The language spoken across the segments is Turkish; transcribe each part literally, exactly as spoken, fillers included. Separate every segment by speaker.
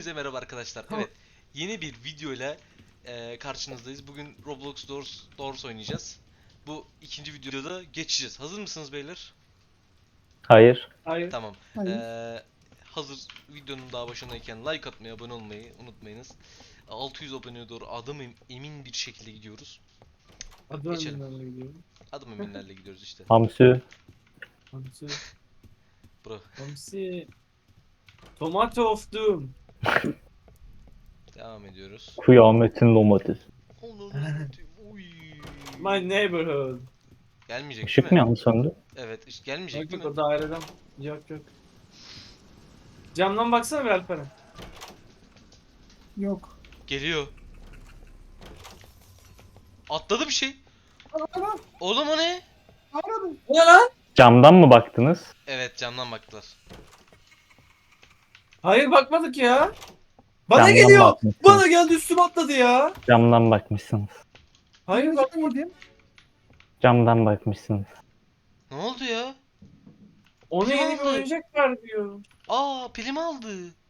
Speaker 1: Herkese merhaba arkadaşlar. Evet, yeni bir video ile e, karşınızdayız. Bugün Roblox Doors, Doors oynayacağız. Bu ikinci videoda geçeceğiz. Hazır mısınız beyler?
Speaker 2: Hayır.
Speaker 3: Hayır.
Speaker 1: Tamam. E,
Speaker 4: Hayır.
Speaker 1: hazır videonun daha başındayken like atmayı, abone olmayı unutmayınız. altı yüz aboneye doğru adım em- emin bir şekilde gidiyoruz.
Speaker 3: Adı
Speaker 1: Geçelim.
Speaker 3: önünden gidiyorum.
Speaker 1: Adım eminlerle gidiyoruz işte.
Speaker 2: Hamsi.
Speaker 3: Hamsi.
Speaker 1: Bro.
Speaker 3: Hamsi. Tomato of Doom.
Speaker 1: Devam ediyoruz.
Speaker 2: Kıyametin domatesi.
Speaker 1: Uy.
Speaker 3: My neighborhood.
Speaker 1: Gelmeyecek değil
Speaker 2: Işık
Speaker 1: mi?
Speaker 2: mı yandı söndü?
Speaker 1: Evet, işte gelmeyecek
Speaker 3: Yok
Speaker 1: değil
Speaker 3: yok
Speaker 1: mi?
Speaker 3: o daireden. Yok yok. Camdan baksana bir Alperen.
Speaker 4: Yok.
Speaker 1: Geliyor. Atladı bir şey.
Speaker 4: Ana,
Speaker 1: Oğlum o ne?
Speaker 4: aradım.
Speaker 3: O ne lan?
Speaker 2: Camdan mı baktınız?
Speaker 1: Evet, camdan baktılar.
Speaker 3: Hayır bakmadık ya. Bana
Speaker 2: Camdan
Speaker 3: geliyor.
Speaker 2: bakmışsınız.
Speaker 3: Bana geldi üstüme atladı ya.
Speaker 2: Camdan bakmışsınız.
Speaker 3: Hayır bak.
Speaker 4: Bak. Yedim.
Speaker 2: Camdan bakmışsınız.
Speaker 1: Ne oldu ya?
Speaker 3: Ona
Speaker 1: Kim
Speaker 3: yeni bir
Speaker 1: aldı?
Speaker 3: oyuncak ver diyor.
Speaker 1: Aa, pilimi aldı.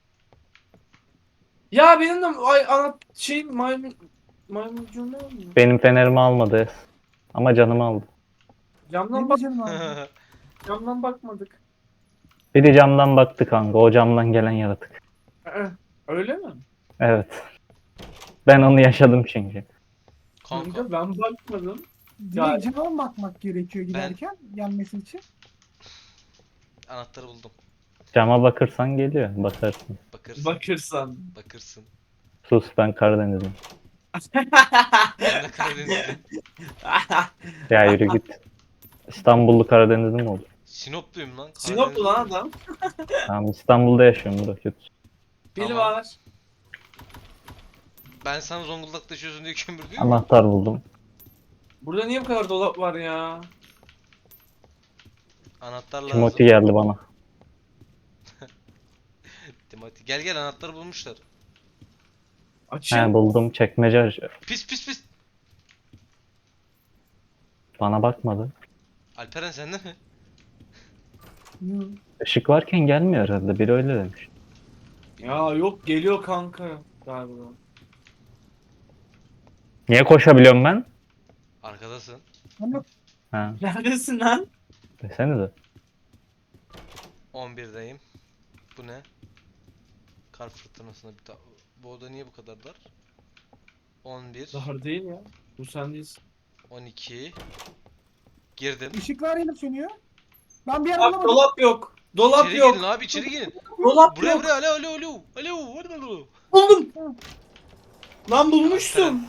Speaker 3: Ya benim de ay ana şey maymun maymuncuğum ne oldu?
Speaker 2: Benim fenerimi almadı. Ama canımı aldı.
Speaker 3: Camdan
Speaker 4: Benim de
Speaker 3: bak
Speaker 4: canım abi.
Speaker 3: camdan bakmadık.
Speaker 2: Biri camdan baktı kanka. O camdan gelen yaratık.
Speaker 3: Ee, Öyle mi?
Speaker 2: Evet. Ben onu yaşadım çünkü.
Speaker 1: Kanka,
Speaker 3: Kanka ben bakmadım.
Speaker 4: Direkt cama bakmak gerekiyor
Speaker 1: Ben-
Speaker 4: giderken gelmesi için.
Speaker 1: anahtarı buldum.
Speaker 2: Cama bakırsan geliyor. Bakarsın.
Speaker 1: Bakırsın.
Speaker 3: Bakırsan.
Speaker 1: Bakırsın.
Speaker 2: Sus, ben Karadenizliyim.
Speaker 1: Ben de Karadenizliyim.
Speaker 2: Ya yürü git. İstanbullu Karadenizli mi olur?
Speaker 1: Sinopluyum lan.
Speaker 3: Sinoplu lan
Speaker 1: Karadenizliyim.
Speaker 3: adam.
Speaker 2: Tamam, İstanbul'da yaşıyorum bro. Kötü.
Speaker 3: Pil
Speaker 1: Tamam.
Speaker 3: var.
Speaker 1: Ben sana Zonguldak'ta yaşıyorsun diye kömür diyor.
Speaker 2: Anahtar buldum.
Speaker 3: Burada niye bu kadar dolap var ya?
Speaker 1: Anahtar lazım.
Speaker 2: Timothy geldi bana.
Speaker 1: Timothy. Gel gel, anahtarı bulmuşlar.
Speaker 3: Açın.
Speaker 2: He, buldum. Çekmece aç-
Speaker 1: Pis pis pis.
Speaker 2: Bana bakmadı.
Speaker 1: Alperen sende mi?
Speaker 4: Yok.
Speaker 2: Işık varken gelmiyor herhalde. Biri öyle demiş.
Speaker 3: Ya yok geliyor kanka galiba.
Speaker 2: Niye koşabiliyorum ben?
Speaker 1: Arkadasın.
Speaker 4: Ben yok.
Speaker 2: Ha,
Speaker 3: Neredesin lan?
Speaker 2: desenize.
Speaker 1: on birdeyim. Bu ne? Kar fırtınasında bir ta... Bu oda niye bu kadar dar? on bir.
Speaker 3: Dar değil ya. Bu sen değilsin.
Speaker 1: on iki. Girdim.
Speaker 4: Işıklar yanıp sönüyor. Ben bir yer
Speaker 3: Bak
Speaker 4: bulamadım.
Speaker 3: dolap yok. Dolap
Speaker 1: İçeri
Speaker 3: yok.
Speaker 1: girin abi, içeri girin.
Speaker 3: Dolap
Speaker 1: Buraya
Speaker 3: yok.
Speaker 1: buraya, alo alo alo. Alo, hadi alo.
Speaker 3: Buldum. Lan bulmuşsun.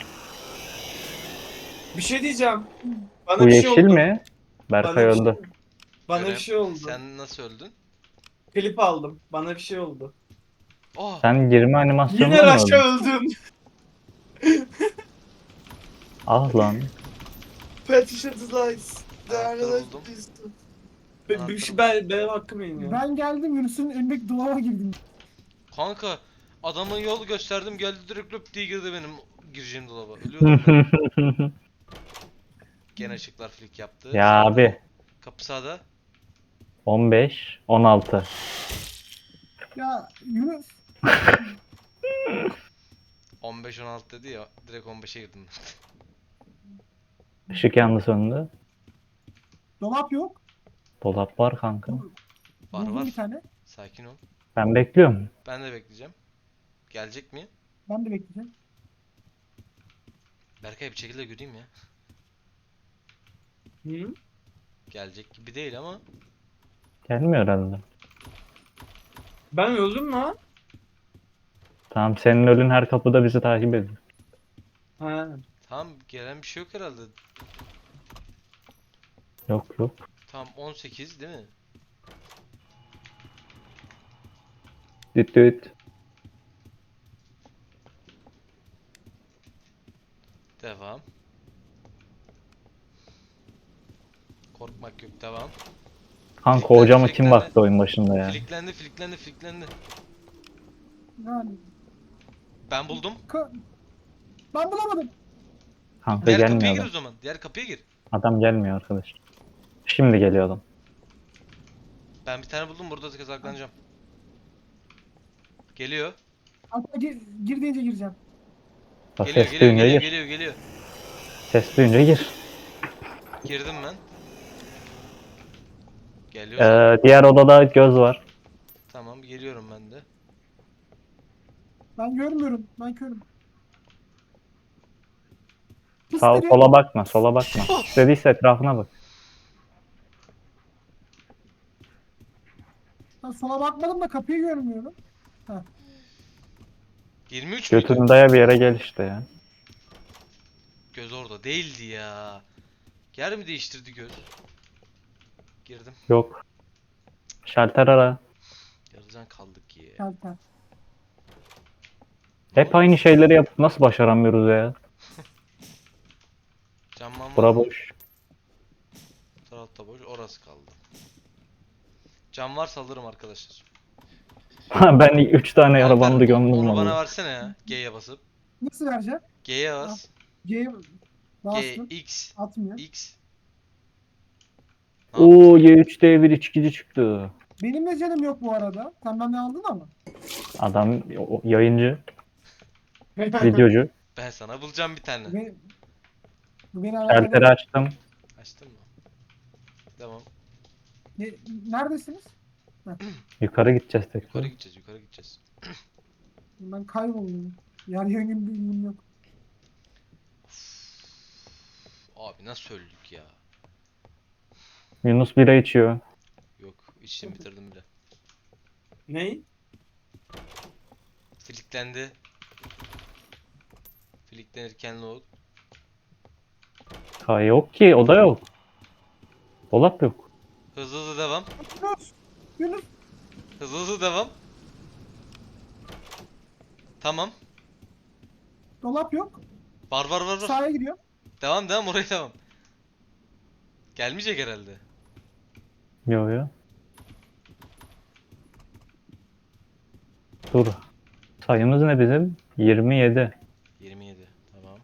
Speaker 3: Bir şey diyeceğim. Bana
Speaker 2: Bu
Speaker 3: bir şey
Speaker 2: yeşil
Speaker 3: oldu.
Speaker 2: mi?
Speaker 3: Bana
Speaker 2: Berkay
Speaker 3: bir şey,
Speaker 2: öldü.
Speaker 3: bana
Speaker 1: Görev.
Speaker 3: bir şey oldu.
Speaker 1: Sen nasıl öldün?
Speaker 3: Klip aldım. Bana bir şey oldu.
Speaker 1: Oh.
Speaker 2: Sen girme animasyonunda
Speaker 3: Yine
Speaker 2: mı
Speaker 3: Raş'a
Speaker 2: öldün?
Speaker 3: öldüm.
Speaker 2: Ah lan.
Speaker 3: Patricia Lies.
Speaker 1: Anahtarı buldum.
Speaker 3: Ben,
Speaker 1: Anahtarı
Speaker 3: ben, ben, benim hakkım yiyin ya.
Speaker 4: Ben geldim Yunus'un önündeki dolaba girdim.
Speaker 1: Kanka, adama yol gösterdim, geldi direkt löp diye girdi benim gireceğim dolaba. Ölüyordum ben. Gene ışıklar flick yaptı.
Speaker 2: Ya
Speaker 1: Sağda.
Speaker 2: abi.
Speaker 1: Kapı sağda.
Speaker 2: on beş, on altı.
Speaker 4: Ya Yunus.
Speaker 1: on beş on altı dedi ya, direkt on beşe girdim.
Speaker 2: Işık yandı söndü.
Speaker 4: Dolap yok.
Speaker 2: Dolap var kanka.
Speaker 1: Var
Speaker 4: Buldum
Speaker 1: var.
Speaker 4: bir tane.
Speaker 1: Sakin ol.
Speaker 2: Ben bekliyorum.
Speaker 1: Ben de bekleyeceğim. Gelecek mi?
Speaker 4: Ben de bekleyeceğim.
Speaker 1: Berkay bir şekilde göreyim ya.
Speaker 3: Hı?
Speaker 1: Gelecek gibi değil ama.
Speaker 2: Gelmiyor herhalde.
Speaker 3: Ben öldüm lan.
Speaker 2: Tamam, senin ölün her kapıda bizi takip ediyor.
Speaker 3: Ha.
Speaker 1: Tamam, gelen bir şey yok herhalde.
Speaker 2: Yok yok.
Speaker 1: Tamam, on sekiz değil mi?
Speaker 2: Düt düt.
Speaker 1: Devam. Korkmak yok, devam.
Speaker 2: Kanka
Speaker 1: Fliklendi,
Speaker 2: o cama kim
Speaker 1: fliklendi.
Speaker 2: baktı oyun başında ya?
Speaker 1: Fliklendi, fliklendi, fliklendi.
Speaker 4: Yani.
Speaker 1: Ben buldum.
Speaker 4: Ka- ben bulamadım.
Speaker 2: Kanka
Speaker 1: Diğer kapıya
Speaker 2: gelmiyor
Speaker 1: gir
Speaker 2: adam.
Speaker 1: o zaman. Diğer kapıya gir.
Speaker 2: Adam gelmiyor arkadaş. Şimdi geliyor adam.
Speaker 1: Ben bir tane buldum, burada saklanacağım. Geliyor.
Speaker 4: Hatta gir, gir deyince gireceğim.
Speaker 2: Bak,
Speaker 1: Geliyor
Speaker 2: ses
Speaker 1: geliyor
Speaker 2: duyunca
Speaker 1: geliyor
Speaker 2: gir.
Speaker 1: geliyor geliyor.
Speaker 2: Ses duyunca gir.
Speaker 1: Girdim ben. Geliyorsan
Speaker 2: Ee, diğer odada göz var.
Speaker 1: tamam geliyorum ben de.
Speaker 4: Ben görmüyorum. Ben körüm. Pis
Speaker 2: Sağ
Speaker 4: dedi.
Speaker 2: sola bakma, sola bakma. İstediyse etrafına bak.
Speaker 4: Ben sola bakmadım da kapıyı görmüyorum.
Speaker 1: yirmi üç müydü?
Speaker 2: Götünü daya bir yere gel işte ya.
Speaker 1: Göz orada değildi ya. Yer mi değiştirdi göz? Girdim.
Speaker 2: Yok. Şalter ara.
Speaker 1: Yarıcan kaldık ya.
Speaker 4: Şalter.
Speaker 2: Hep aynı şeyleri yapıp nasıl başaramıyoruz ya?
Speaker 1: Camman var
Speaker 2: Bura
Speaker 1: mı?
Speaker 2: boş.
Speaker 1: Tarafta boş. Orası kaldı. Cam varsa alırım arkadaşlar.
Speaker 2: Ben üç tane yara
Speaker 1: Alper,
Speaker 2: bandı gömdüm
Speaker 1: onu bana
Speaker 2: vallahi.
Speaker 1: versene ya. G'ye basıp.
Speaker 4: Nasıl vereceğim?
Speaker 1: G'ye bas.
Speaker 4: G'ye
Speaker 1: G,
Speaker 4: bastım.
Speaker 1: X,
Speaker 4: Atmıyor.
Speaker 1: X. Ne yaptın?
Speaker 2: Oo Y üç D bir içkici çıktı.
Speaker 4: Benim de canım yok bu arada. Sen benden aldın ama.
Speaker 2: Adam o- yayıncı, videocu.
Speaker 1: Ben sana bulacağım bir tane.
Speaker 4: Bu beni, bu beni
Speaker 2: Şalteri
Speaker 4: alakalı.
Speaker 2: açtım.
Speaker 1: Açtın mı? Tamam.
Speaker 4: Ne- Neredesiniz?
Speaker 2: Yukarı gideceğiz
Speaker 1: Yukarı
Speaker 2: tekrar.
Speaker 1: gideceğiz, yukarı gideceğiz.
Speaker 4: Ben kayboldum. Yer yöngün bilgim yok.
Speaker 1: Abi nasıl öldük ya?
Speaker 2: Yunus bira içiyor.
Speaker 1: Yok, içtim bitirdim bile.
Speaker 3: Ney?
Speaker 1: Filiklendi. Filiklenirken load.
Speaker 2: Ha yok ki, o da yok. Dolap yok.
Speaker 1: Hızlı hızlı devam.
Speaker 4: Yunus! Yunus!
Speaker 1: Hızlı hızlı devam. Tamam.
Speaker 4: Dolap yok.
Speaker 1: Var var var var.
Speaker 4: Sahaya gidiyor.
Speaker 1: Devam devam oraya devam. Gelmeyecek herhalde.
Speaker 2: Yok ya. Dur. Sayımız ne bizim? yirmi yedi.
Speaker 1: yirmi yedi. Tamam.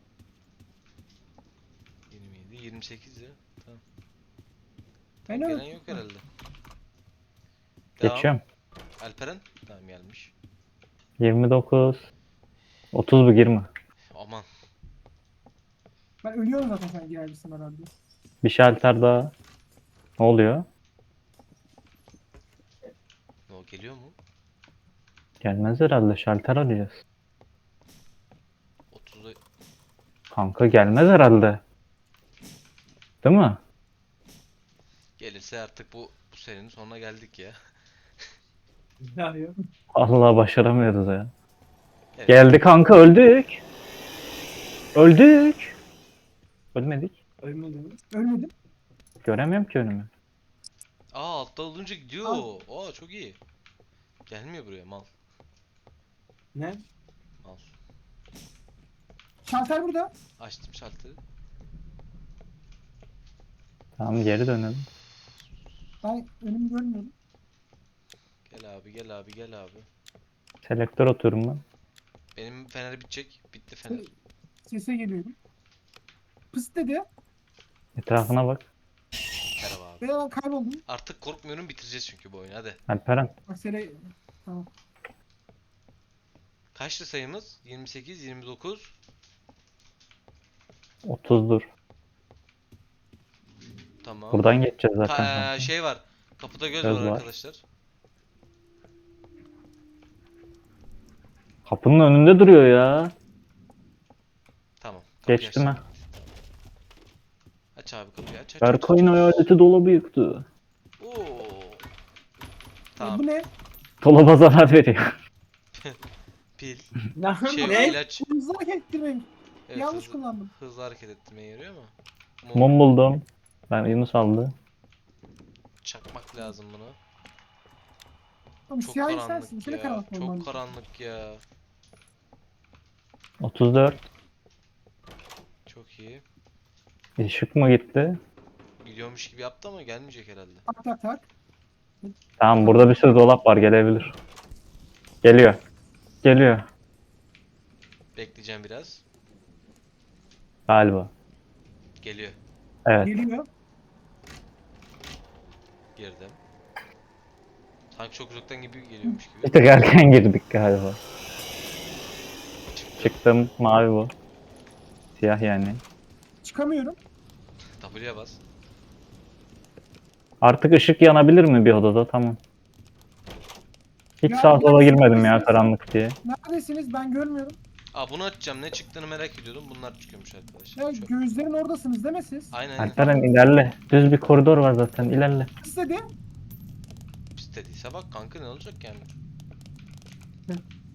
Speaker 1: yirmi yedi, yirmi sekiz ya. Tamam.
Speaker 4: Ben
Speaker 1: Tamam,
Speaker 4: öyle-
Speaker 1: gelen yok herhalde. Devam.
Speaker 2: Geçiyorum.
Speaker 1: Alperen. Tamam gelmiş.
Speaker 2: yirmi dokuz. otuz bu girme.
Speaker 1: Aman.
Speaker 4: Ben ölüyorum zaten sen girersin herhalde.
Speaker 2: Bir şalter daha. Ne oluyor?
Speaker 1: Ne o geliyor mu?
Speaker 2: Gelmez herhalde. Şalter arayacağız.
Speaker 1: otuzda
Speaker 2: Kanka gelmez herhalde. Değil mi?
Speaker 1: gelirse artık bu bu serinin sonuna geldik ya.
Speaker 3: Ya yok.
Speaker 2: Allah başaramıyoruz ya.
Speaker 1: Evet.
Speaker 2: Geldi kanka, öldük. Öldük. Ölmedik.
Speaker 3: Ölmedim.
Speaker 4: Ölmedim.
Speaker 2: Göremiyorum ki önümü.
Speaker 1: Aa altta olunca gidiyor. Aa çok iyi. Gelmiyor buraya mal.
Speaker 3: Ne?
Speaker 1: Mal.
Speaker 4: Şalter burada.
Speaker 1: Açtım şalteri.
Speaker 2: Tamam, geri dönelim.
Speaker 4: Ben önümü görmüyorum.
Speaker 1: Gel abi gel abi gel abi.
Speaker 2: Selektör oturum ben.
Speaker 1: Benim feneri bitecek. Bitti fener.
Speaker 4: Sese geliyorum. Pıs dedi.
Speaker 2: Etrafına bak.
Speaker 1: Merhaba abi.
Speaker 4: Ve ben kayboldum.
Speaker 1: Artık korkmuyorum, bitireceğiz çünkü bu oyunu hadi.
Speaker 2: Alperen.
Speaker 4: Bak sene... Tamam.
Speaker 1: Kaçtı sayımız? yirmi sekiz, yirmi dokuz.
Speaker 2: otuzdur.
Speaker 1: Tamam.
Speaker 2: Buradan geçeceğiz
Speaker 1: Ka-
Speaker 2: zaten.
Speaker 1: eee,
Speaker 2: kanka.
Speaker 1: şey var. Kapıda göz,
Speaker 2: Göz
Speaker 1: var,
Speaker 2: var.
Speaker 1: arkadaşlar.
Speaker 2: Kapının önünde duruyor ya.
Speaker 1: Tamam. kapıyı
Speaker 2: Geçti mi?
Speaker 1: açtım. Aç abi kapıyı aç aç. aç,
Speaker 2: Berkay'ın
Speaker 1: aç, aç.
Speaker 2: hayaleti dolabı yıktı.
Speaker 1: Oo.
Speaker 4: E,
Speaker 1: Tamam.
Speaker 4: bu ne?
Speaker 2: Dolaba zarar veriyor.
Speaker 1: Pil.
Speaker 3: Ne?
Speaker 1: Şey
Speaker 3: Ne?
Speaker 1: ilaç.
Speaker 4: Hızlı hareket ettirmeyin.
Speaker 1: Evet,
Speaker 4: Yanlış
Speaker 1: hızlı,
Speaker 4: kullandım.
Speaker 1: hızlı hareket ettirmeye yarıyor ama.
Speaker 2: Mum buldum. Ben Yunus aldı.
Speaker 1: Çakmak lazım buna.
Speaker 4: Oğlum
Speaker 1: Çok
Speaker 4: siyah
Speaker 1: karanlık
Speaker 4: sensin. İçine
Speaker 1: ya.
Speaker 4: karanlık
Speaker 1: Çok
Speaker 4: olmalı.
Speaker 1: karanlık ya.
Speaker 2: otuz dört.
Speaker 1: Çok iyi.
Speaker 2: Işık mı gitti?
Speaker 1: Gidiyormuş gibi yaptı ama gelmeyecek herhalde.
Speaker 4: Tak tak tak.
Speaker 2: Tamam, burada bir sürü dolap var, gelebilir. Geliyor. Geliyor.
Speaker 1: Bekleyeceğim biraz.
Speaker 2: Galiba.
Speaker 1: Geliyor.
Speaker 2: Evet.
Speaker 4: Geliyor.
Speaker 1: Girdim. Sanki çok uzaktan gibi geliyormuş
Speaker 2: Bir
Speaker 1: gibi.
Speaker 2: tık erken girdik galiba. Çıktım. Mavi bu. Siyah yani.
Speaker 4: Çıkamıyorum.
Speaker 1: W'ye bas.
Speaker 2: Artık ışık yanabilir mi bir odada? Tamam. Hiç
Speaker 4: Ya,
Speaker 2: sağa sola girmedim ya
Speaker 4: neredesiniz?
Speaker 2: karanlık diye.
Speaker 4: Neredesiniz? Ben görmüyorum.
Speaker 1: Aa bunu açacağım. Ne çıktığını merak ediyordum. Bunlar çıkıyormuş arkadaşlar.
Speaker 4: Ya
Speaker 1: Çöp.
Speaker 4: gözlerin oradasınız değil mi siz?
Speaker 1: Aynen aynen.
Speaker 2: Alperen ilerle. Düz bir koridor var zaten. İlerle.
Speaker 4: İstedi.
Speaker 1: İstediyse bak kanka, ne olacak yani?
Speaker 4: Hı.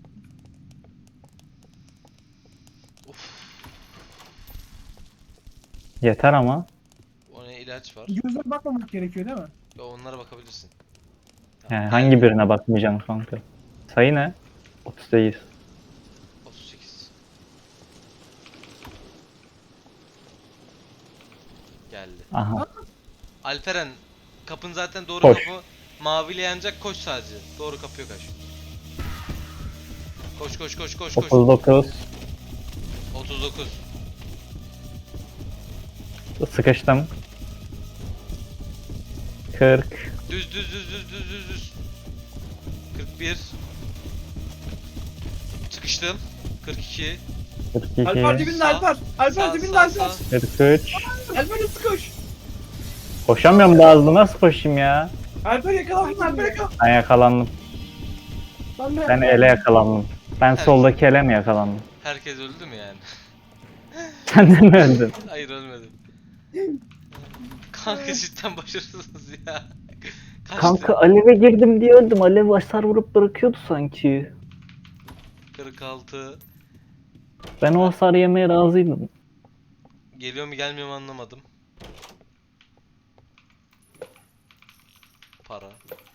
Speaker 1: Of.
Speaker 2: Yeter ama.
Speaker 1: O ne, ilaç var.
Speaker 4: Gözlere bakmamak gerekiyor değil mi?
Speaker 1: Ya onlara bakabilirsin.
Speaker 2: Yani
Speaker 1: Tamam,
Speaker 2: hangi
Speaker 1: geldi.
Speaker 2: birine bakmayacaksın kanka? Sayı ne? otuz sekiz.
Speaker 1: otuz sekiz. Geldi.
Speaker 2: Aha.
Speaker 1: Alperen, kapın zaten doğru
Speaker 2: Koş.
Speaker 1: kapı. Maviyle yanacak, koş sadece. Doğru kapıya kaç. Koş koş koş koş koş.
Speaker 2: otuz dokuz.
Speaker 1: otuz dokuz.
Speaker 2: Sıkıştım. kırk.
Speaker 1: Düz düz düz düz düz düz düz. kırk bir. Sıkıştım. kırk iki.
Speaker 2: kırk
Speaker 3: Alper
Speaker 2: iki.
Speaker 3: dibinde
Speaker 1: Sağ,
Speaker 3: Alper. Alper
Speaker 1: sağ,
Speaker 3: dibinde
Speaker 1: sağ,
Speaker 3: Alper.
Speaker 1: sağ.
Speaker 2: kırk üç.
Speaker 3: Alper hızlı koş.
Speaker 2: Koşamıyorum daha hızlı. Nasıl koşayım ya?
Speaker 3: Alper yakalandın Alper yakalandın.
Speaker 2: Ben yakalandım.
Speaker 4: Ben de
Speaker 2: Ben ele yakalandım. Ben
Speaker 1: Evet.
Speaker 2: soldaki ele mi yakalandım?
Speaker 1: Herkes öldü mü yani?
Speaker 2: Sen de mi öldün?
Speaker 1: Hayır, ölmedim. Kanka cidden başarısızsınız ya. Kaçtı.
Speaker 2: Kanka aleve girdim diye öldüm. Alev hasar vurup bırakıyordu sanki.
Speaker 1: kırk altı.
Speaker 2: Ben o hasarı yemeye razıydım.
Speaker 1: Geliyor mu gelmiyor mu anlamadım. Para.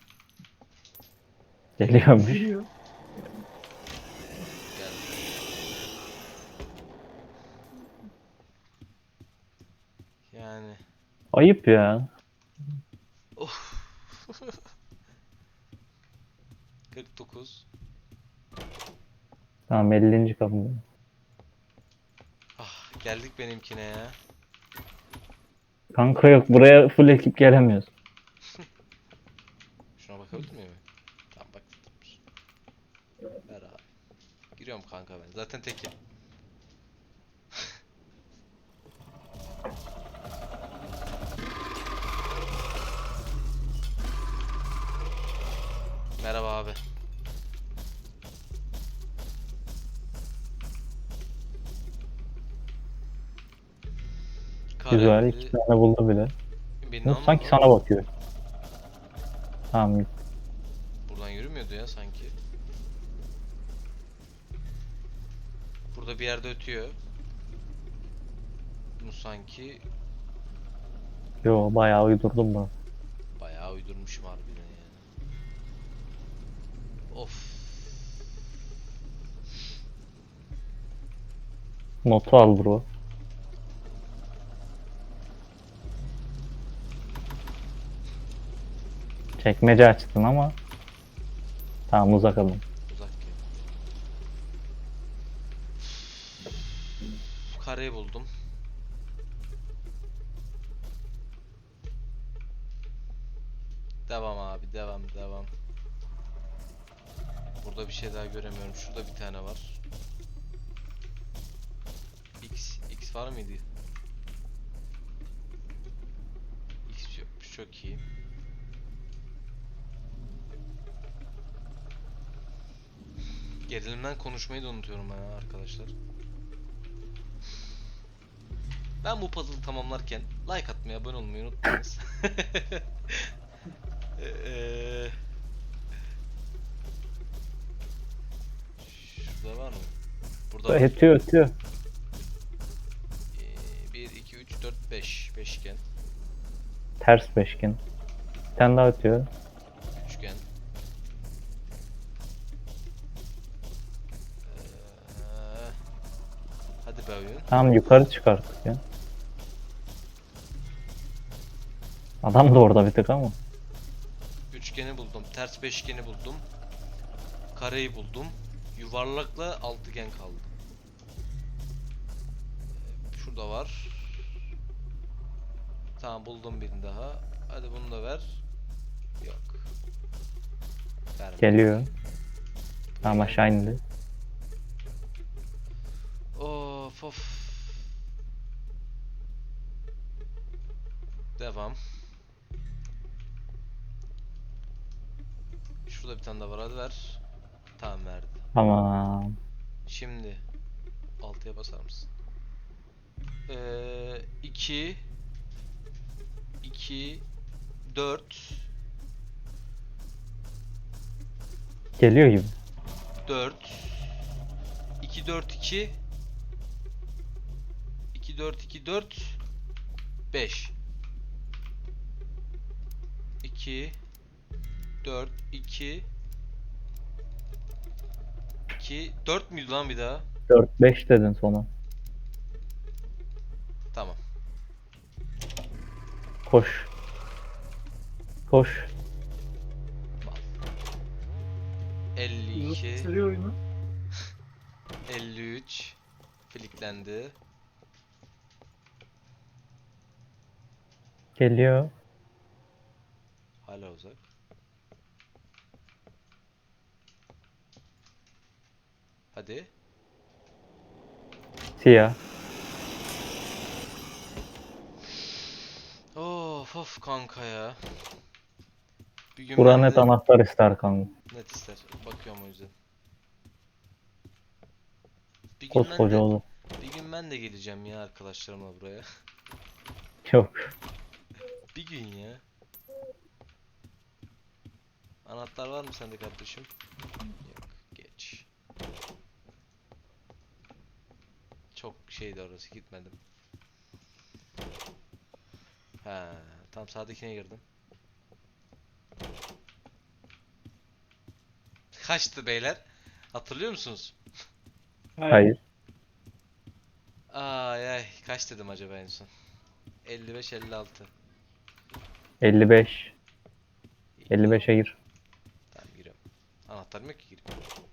Speaker 2: Geliyormuş.
Speaker 4: geliyor.
Speaker 1: Geldi. Yani.
Speaker 2: Ayıp ya.
Speaker 1: Of. kırk dokuz.
Speaker 2: Tamam ellinci kapımda.
Speaker 1: Ah, geldik benimkine ya.
Speaker 2: Kanka yok buraya full ekip gelemiyoruz.
Speaker 1: Şuna bakabilir miyim? Tamam bak. Ver abi. Giriyorum kanka ben. Zaten tekim. Merhaba abi.
Speaker 2: Güzel
Speaker 1: Kareli-
Speaker 2: iki tane buldu bile.
Speaker 1: Beni
Speaker 2: Yok,
Speaker 1: almadı
Speaker 2: sanki
Speaker 1: mı?
Speaker 2: sana bakıyor. Tamam
Speaker 1: Buradan yürümüyordu ya sanki. Burada bir yerde ötüyor. Bunu sanki
Speaker 2: yo bayağı uydurdum ben.
Speaker 1: bayağı uydurmuşum harbiden yani. Of.
Speaker 2: Notu al bro. Çekmece açtın ama. Tamam uzak alın.
Speaker 1: Uzak gel. Kareyi buldum. Devam abi, devam devam. Burada bir şey daha göremiyorum. Şurada bir tane var. X X var mıydı? X yokmuş, çok iyi. Gerilimden konuşmayı da unutuyorum ben ha arkadaşlar. Ben bu puzzle'ı tamamlarken like atmayı, abone olmayı unutmayınız. Eee, Şurada var mı? Burada var.
Speaker 2: Ötüyor ötüyor.
Speaker 1: bir, iki, üç, dört, beş. Beşgen.
Speaker 2: Ters beşgen. Bir tane daha ötüyor.
Speaker 1: Üçgen. Eee, Hadi be oyun.
Speaker 2: Tamam yukarı çıkarttık ya. Adam da orada bir tık ama.
Speaker 1: Üçgeni buldum. Ters beşgeni buldum. Kareyi buldum. Yuvarlakla altıgen kaldı. Ee, Şurada var. Tamam, buldum birini daha. Hadi bunu da ver. Yok. Vermedi.
Speaker 2: Geliyor. Tamam aşağı indi.
Speaker 1: Of of. Devam. Şurada bir tane daha var, hadi ver. Tamam, verdi.
Speaker 2: Tamam.
Speaker 1: Şimdi altıya basar mısın? Ee, iki iki dört
Speaker 2: Geliyor gibi.
Speaker 1: dört iki dört iki iki dört iki dört beş iki dört iki iki dört müydü lan bir daha?
Speaker 2: dört beş dedin sona.
Speaker 1: Tamam.
Speaker 2: Koş. Koş.
Speaker 1: elli iki
Speaker 3: Bitiriyor oyunu.
Speaker 1: elli üç fliklendi.
Speaker 2: Geliyor.
Speaker 1: Hala uzak. Hadi.
Speaker 2: Siyah.
Speaker 1: Of of kanka ya. Bir gün
Speaker 2: Buran
Speaker 1: ben
Speaker 2: net
Speaker 1: de
Speaker 2: anahtar ister kanka.
Speaker 1: net ister. Bakıyorum o yüzden. Bir gün ben
Speaker 2: Koskoca
Speaker 1: de
Speaker 2: oğlum.
Speaker 1: bir gün ben de geleceğim ya arkadaşlarımla buraya.
Speaker 2: Yok.
Speaker 1: Bir gün ya. Anahtar var mı sende kardeşim? Yok. Geç. Çok şeydi orası, gitmedim. Ha, tam sağdakine girdim. Kaçtı beyler? Hatırlıyor musunuz?
Speaker 2: Hayır.
Speaker 1: Ay ay, kaç dedim acaba en son? elli beş elli altı.
Speaker 2: elli beş. elli beşe gir.
Speaker 1: Tamam, giriyorum. Anahtarım yok ki, gireyim.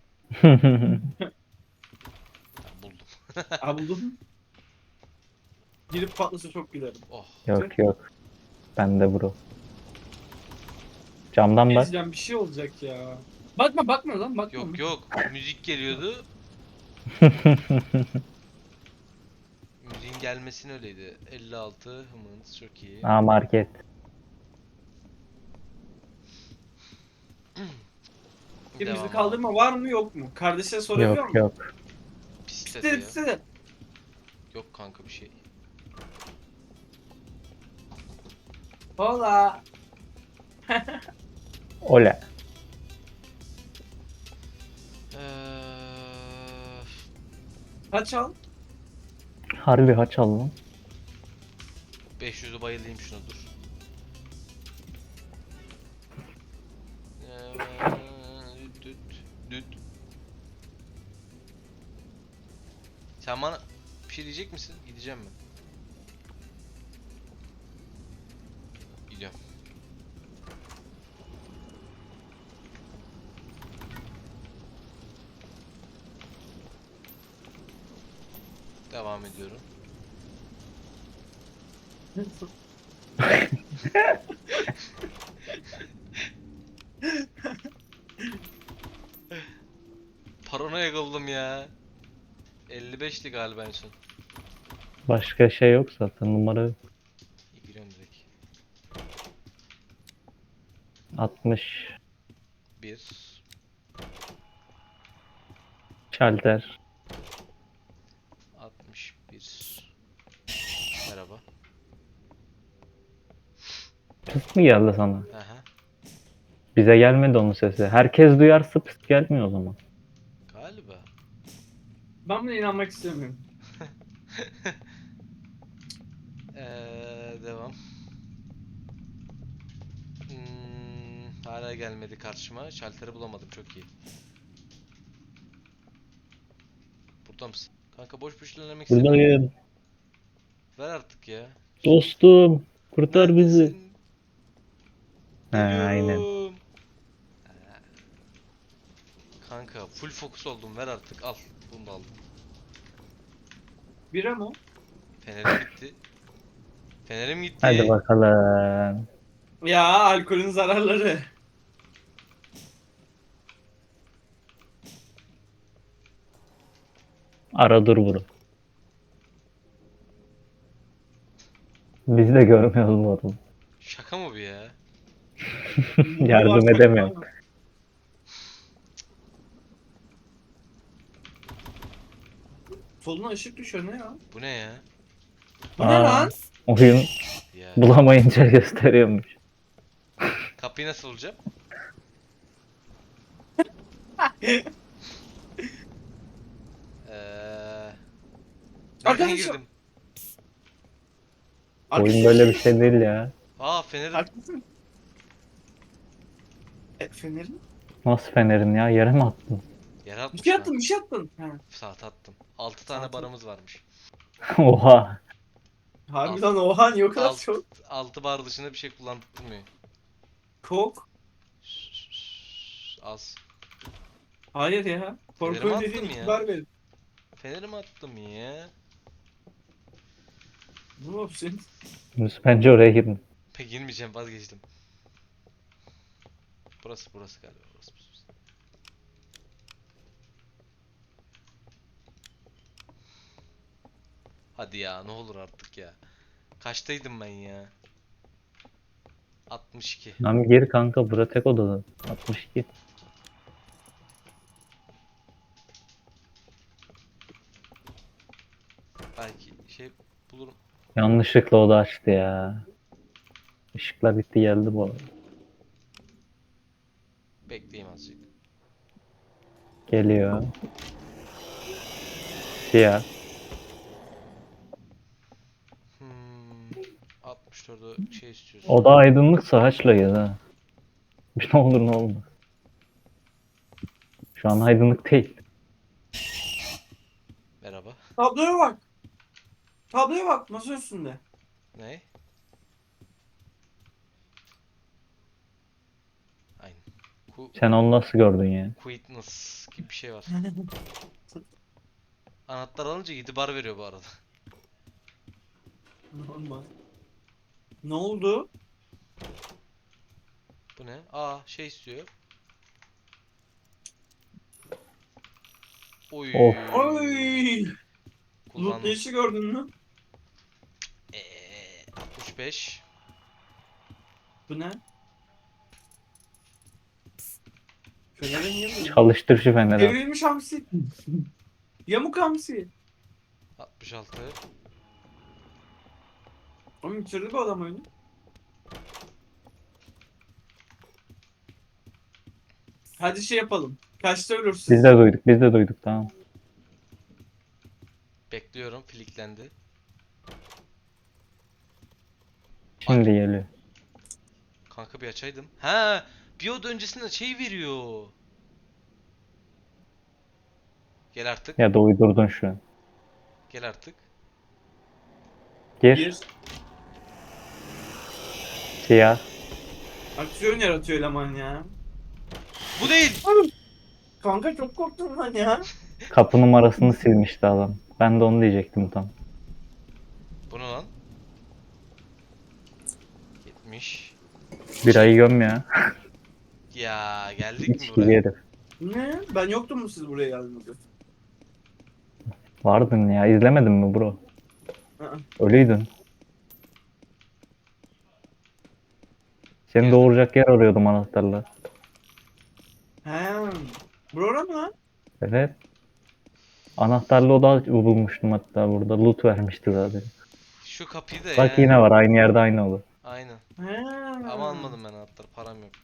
Speaker 1: Tamam, buldum.
Speaker 3: Aa buldum. Girip patlasa çok gülerim.
Speaker 1: Oh.
Speaker 2: Yok yok. Ben de bro. Camdan bak.
Speaker 3: Ezeceğim, bir şey olacak ya. Bakma bakma lan, bakma.
Speaker 1: Yok yok, müzik geliyordu. Müziğin gelmesini öyleydi. elli altı hımınız çok iyi.
Speaker 2: Aa market.
Speaker 3: Birimizi
Speaker 1: Devam abi.
Speaker 3: kaldırma var mı yok mu? Kardeşine sorabiliyor
Speaker 2: Yok
Speaker 3: musun?
Speaker 2: yok.
Speaker 1: Piste
Speaker 3: Piste
Speaker 1: ya.
Speaker 3: piste.
Speaker 1: Yok kanka bir şey.
Speaker 3: Hola.
Speaker 2: Ole.
Speaker 1: Eee,
Speaker 3: Kaç al?
Speaker 2: Harbi haç al lan.
Speaker 1: beş yüzü bayılayım şuna, dur. Eee, düt düt. Sen bana bir şey diyecek misin? Gideceğim mi? Gidiyorum. Devam ediyorum. Paranoya oldum ya. elli beşti galiba en son.
Speaker 2: Başka şey yok zaten numara yok.
Speaker 1: İyi, giriyorum direkt.
Speaker 2: altmış.
Speaker 1: bir.
Speaker 2: Şalter.
Speaker 1: altmış bir. Merhaba.
Speaker 2: Pıst mı geldi sana?
Speaker 1: Aha.
Speaker 2: Bize gelmedi onun sesi. Herkes duyarsa pıst gelmiyor o zaman.
Speaker 1: Galiba.
Speaker 3: Ben buna inanmak istemiyorum.
Speaker 1: Eee devam. Hmm, hala gelmedi karşıma. Şalteri bulamadım, çok iyi. Burada mısın? Kanka boş boş ilerlemek istemiyorum.
Speaker 2: Buradayım.
Speaker 1: Ver artık ya.
Speaker 2: Dostum. Kurtar bizi.
Speaker 1: Neredesin?
Speaker 2: He aynen.
Speaker 1: Geliyorum. Ha. Kanka full fokus oldum, ver artık, al. Bunu da aldım.
Speaker 3: Bira mı?
Speaker 1: Fenerim gitti. Fenerim gitti.
Speaker 2: Hadi bakalım.
Speaker 3: Ya alkolün zararları.
Speaker 2: Ara dur bro. Biz de görmüyoruz bu arada.
Speaker 1: Şaka mı bu ya?
Speaker 2: Yardım edemiyorum.
Speaker 3: Soluna ışık düşüyor ne ya?
Speaker 1: Bu ne ya?
Speaker 3: Bu ne
Speaker 2: Aa.
Speaker 3: lan?
Speaker 2: Oyun
Speaker 1: Ya.
Speaker 2: bulamayınca gösteriyormuş.
Speaker 1: Kapıyı nasıl bulacağım? Eee... Nereden
Speaker 3: Arkadaşım.
Speaker 1: girdim?
Speaker 2: Oyun böyle bir şey değil ya.
Speaker 1: Aa fenerim.
Speaker 3: Haklısın. E, fenerin?
Speaker 2: Nasıl fenerin ya? Yere mi attın?
Speaker 1: Yere
Speaker 3: Bir
Speaker 1: atmış
Speaker 3: şey
Speaker 1: lan.
Speaker 3: attın, bir şey attın. Ha.
Speaker 1: Saat attım. altı tane
Speaker 3: Saat
Speaker 1: barımız varmış.
Speaker 2: Oha.
Speaker 3: Harbiden oha niye o kadar
Speaker 1: Alt,
Speaker 3: çok?
Speaker 1: altı bar dışında bir şey kullandırmıyor.
Speaker 3: Çok.
Speaker 1: Az.
Speaker 3: Hayır ya.
Speaker 1: Fenerimi
Speaker 3: Korkunç
Speaker 1: attım
Speaker 3: dediğin
Speaker 1: ya.
Speaker 3: itibar verin.
Speaker 1: Fenerimi attım ya.
Speaker 3: Ne yapıyorsun?
Speaker 2: Yunus bence oraya girin.
Speaker 1: Pek girmeyeceğim, vazgeçtim. Burası burası galiba. Burası, burası. Hadi ya ne olur artık ya. Kaçtaydım ben ya? altmış iki.
Speaker 2: Lan gir kanka, bura tek odada. altmış iki.
Speaker 1: Belki şey bulurum.
Speaker 2: Yanlışlıkla oda açtı ya. Işıklar gitti geldi bu arada.
Speaker 1: Bekleyeyim azıcık.
Speaker 2: Geliyor. Siyah.
Speaker 1: Hmm, altmış dörde şey istiyorsun.
Speaker 2: Oda aydınlıksa haçla gez ha. Bir ne olur ne olmaz. Şu an aydınlık değil.
Speaker 1: Merhaba.
Speaker 3: Tabloya bak. Tabloya bak masa üstünde.
Speaker 1: Ne? Aynen. Ku
Speaker 2: Sen onu nasıl gördün ya?
Speaker 1: Quietness gibi bir şey var. Anahtar alınca yedi bar veriyor bu arada.
Speaker 3: Normal. Ne oldu?
Speaker 1: Bu ne? Aa şey istiyor. Oy.
Speaker 2: Of.
Speaker 3: Oy! Loot
Speaker 1: Kullandım.
Speaker 3: işi gördün mü?
Speaker 1: Eee, altmış beş.
Speaker 3: Bu ne? Fener'e niye böyle?
Speaker 2: Çalıştır şu feneri.
Speaker 3: Devrilmiş hamsi. Yamuk hamsi.
Speaker 1: altmış altı.
Speaker 3: Oğlum bitirdi bu adam oyunu. Hadi şey yapalım. Kaçta ölürsün?
Speaker 2: Biz de duyduk, biz de duyduk, tamam.
Speaker 1: Bekliyorum. Filiklendi.
Speaker 2: Şimdi geliyor.
Speaker 1: Kanka bir açaydım. Ha, bir oda öncesinde şey veriyor. Gel artık.
Speaker 2: Ya da uydurdun şu an.
Speaker 1: Gel artık.
Speaker 2: Gir.
Speaker 3: Bir
Speaker 2: Siyah.
Speaker 3: aksiyon yaratıyor eleman ya.
Speaker 1: Bu değil.
Speaker 3: Kanka çok korktum lan ya.
Speaker 2: Kapı numarasını silmişti adam. Ben de onu diyecektim tam.
Speaker 1: Bu ne lan? yetmiş.
Speaker 2: Birayı göm ya.
Speaker 1: Ya geldik mi
Speaker 2: İçki
Speaker 1: buraya?
Speaker 2: herif.
Speaker 3: Ne? Ben yoktum mu siz buraya geldiğinizde?
Speaker 2: Vardın ya. İzlemedin mi bro?
Speaker 3: Aa.
Speaker 2: Ölüydün. Seni
Speaker 1: Gezdim.
Speaker 2: doğuracak yer arıyordum anahtarla.
Speaker 3: He. Bura mı lan?
Speaker 2: Evet. Anahtarlı oda bulmuştum hatta burada. Loot vermişti zaten.
Speaker 1: Şu kapıyı da
Speaker 2: Bak
Speaker 1: ya.
Speaker 2: yine var. Aynı yerde aynı oda.
Speaker 1: Aynen.
Speaker 3: He.
Speaker 1: Ama almadım ben anahtarı. Param yoktu.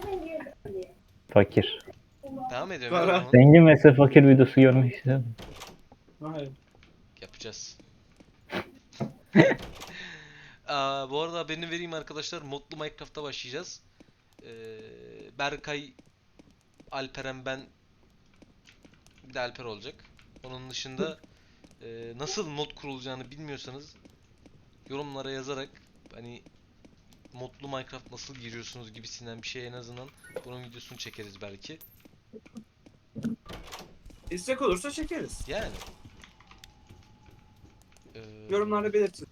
Speaker 2: Fakir.
Speaker 1: Devam ediyorum
Speaker 3: Para.
Speaker 1: ya o zaman.
Speaker 2: Zengin vs fakir videosu görmek istiyorum.
Speaker 3: Hayır.
Speaker 1: Yapacağız. Aa, bu arada haberini vereyim arkadaşlar. Modlu Minecraft'ta başlayacağız. Ee, Berkay, Alperen, ben, bir de Alper olacak. Onun dışında e, nasıl mod kurulacağını bilmiyorsanız yorumlara yazarak hani modlu Minecraft nasıl giriyorsunuz gibisinden bir şey en azından bunun videosunu çekeriz belki.
Speaker 3: İstek olursa çekeriz.
Speaker 1: Yani. Ee,
Speaker 3: Yorumlarda belirtin.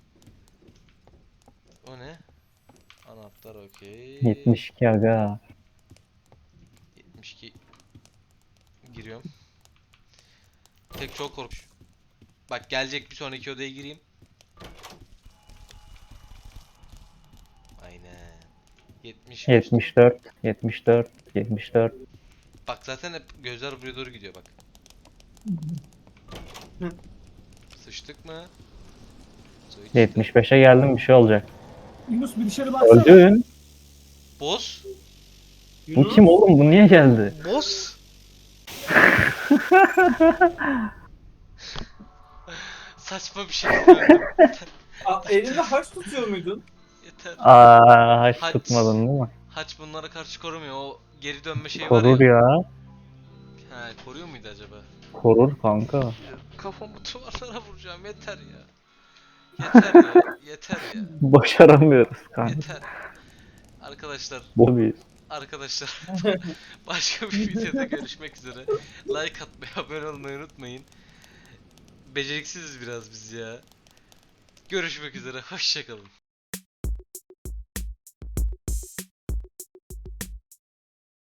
Speaker 1: O ne? Anahtar okey.
Speaker 2: yetmiş iki aga.
Speaker 1: yetmiş iki. Giriyorum. Tek çok korkmuş. Bak gelecek bir sonraki odaya gireyim. yetmiş.
Speaker 2: yetmiş dört, yetmiş dört, yetmiş dört.
Speaker 1: Bak zaten hep gözler buraya doğru gidiyor bak. Sıçtık mı? Sıçtık.
Speaker 2: yetmiş beşe geldim, bir şey olacak.
Speaker 4: Yunus bir dışarı baksana.
Speaker 2: Öldün.
Speaker 1: Boss?
Speaker 2: Bu
Speaker 3: Yunus,
Speaker 2: kim oğlum? Bu niye geldi?
Speaker 1: Boss? Saçma bir şekilde öldüm.
Speaker 3: a- elinde haç tutuyor muydun?
Speaker 1: Yeter.
Speaker 2: Aa, haç
Speaker 1: Haç.
Speaker 2: tutmadın değil mi?
Speaker 1: Haç bunlara karşı korumuyor. O geri dönme şeyi
Speaker 2: Korur
Speaker 1: var ya.
Speaker 2: ya.
Speaker 1: Ha, koruyor muydu acaba?
Speaker 2: Korur kanka.
Speaker 1: Kafamı duvarlara vuracağım. Yeter ya. Yeter ya. Yeter ya.
Speaker 2: Başaramıyoruz kanka.
Speaker 1: Yeter. Arkadaşlar,
Speaker 2: Bu bir.
Speaker 1: arkadaşlar başka bir videoda görüşmek üzere. Like atmayı, abone olmayı unutmayın. Beceriksiziz biraz biz ya. Görüşmek üzere. Hoşça kalın.